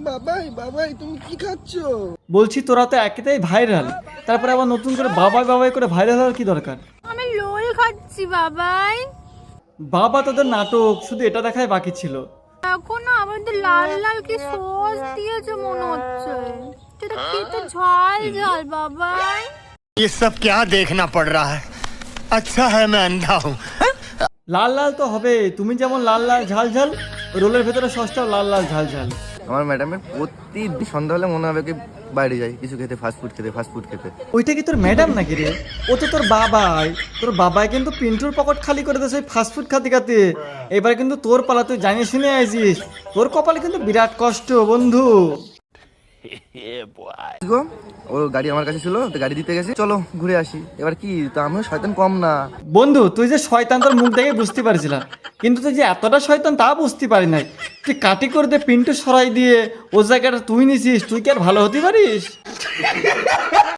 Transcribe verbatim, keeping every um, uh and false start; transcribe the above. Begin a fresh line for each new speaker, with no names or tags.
বাবাই বাবাই তুমি কি খাচ্ছ?
বলছি তোরা তো একেতেই ভাইরাল, তারপরে আবার নতুন করে বাবাই বাবাই করে ভাইরাল হওয়ার কি দরকার?
আমি রোল খাচ্ছি বাবাই।
বাবা তোদের নাটক শুধু এটা দেখাই বাকি ছিল।
এখনো আমাদের লাল লাল কি সস দিয়েছে মনে হচ্ছে, সেটা খেতে ঝাল ঝাল বাবাই।
ये सब क्या देखना पड़ रहा है? अच्छा है मैं अंधा हूँ।
লাল লাল তো হবে, তুমি যেমন লাল লাল ঝাল ঝাল, রোলের ভেতরে সসটাও লাল লাল ঝাল ঝাল।
আমার ম্যাডামের প্রতিদিন সন্ধ্যা হলে মনে হবে কি বাইরে যাই কিছু খেতে, ফাস্ট ফুড খেতে ফাস্ট ফুড খেতে
ওইটা কি তোর ম্যাডাম নাকি রে? ও তো তোর বাবাই। তোর বাবাই কিন্তু পিন্টুর পকেট খালি করে দিয়েছে ফাস্ট ফুড খাতে খাতে। এবার কিন্তু তোর পালা, তুই জানিয়ে শুনে আইছিস। তোর কপালে কিন্তু বিরাট কষ্ট বন্ধু।
গো ওর গাড়ি আমার কাছে ছিল, তো গাড়ি দিতে গেছি, চলো ঘুরে আসি। এবার কি তো আমিও শয়তান কম না।
বন্ধু তুই যে শয়তান তোর মুখ দেখে বুঝতে পারছিলাম, কিন্তু তুই যে এতটা শয়তান তা বুঝতে পারি নাই। তুই কাটি করে দিয়ে পিন্টু সরাই দিয়ে ও জায়গাটা তুই নিছিস, তুই কি আর ভালো হতে পারিস?